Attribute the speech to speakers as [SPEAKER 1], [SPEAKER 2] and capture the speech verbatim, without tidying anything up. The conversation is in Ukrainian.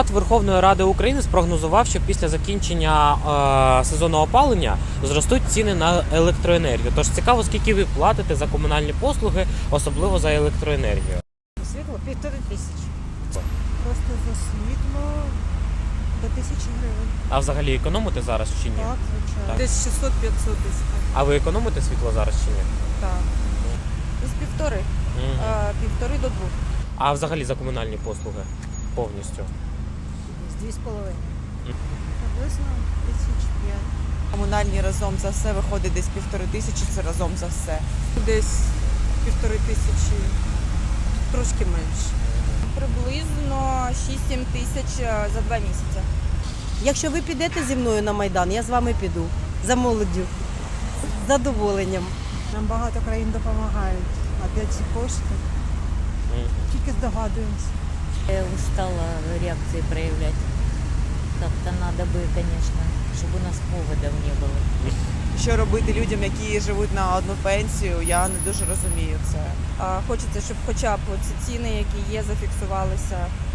[SPEAKER 1] Верховної Ради України спрогнозував, що після закінчення е, сезону опалення зростуть ціни на електроенергію. Тож цікаво, скільки ви платите за комунальні послуги, особливо за електроенергію.
[SPEAKER 2] Світло півтори тисячі. Просто за світло до тисячі гривень.
[SPEAKER 1] А взагалі економите зараз чи ні?
[SPEAKER 2] Так, звичайно.
[SPEAKER 1] Так.
[SPEAKER 2] Десь шістсот-п'ятсот десь.
[SPEAKER 1] А ви економите світло зараз чи ні?
[SPEAKER 2] Так. Десь півтори.
[SPEAKER 1] Мгм.
[SPEAKER 2] А, півтори до двох.
[SPEAKER 1] А взагалі за комунальні послуги повністю?
[SPEAKER 2] З дві з половиною.
[SPEAKER 1] Мгм.
[SPEAKER 2] Приблизно тисяч п'ять.
[SPEAKER 3] Комунальні разом за все виходить десь півтори тисячі, це разом за все.
[SPEAKER 2] Десь півтори тисячі, трошки менше.
[SPEAKER 4] Приблизно шість-сім тисяч за два місяці.
[SPEAKER 5] Якщо ви підете зі мною на Майдан, я з вами піду. За молоддю. З задоволенням.
[SPEAKER 2] Нам багато країн допомагають. А де ці кошти?
[SPEAKER 1] Мгм.
[SPEAKER 2] Тільки здогадуємося.
[SPEAKER 6] Я устала реакции проявлять. Как-то надо бы, конечно, чтобы у нас поводов не было.
[SPEAKER 3] Що робити людям, які живуть на одну пенсію, я не дуже розумію це.
[SPEAKER 4] А, Хочеться, щоб хоча б ці ціни, які є, зафіксувалися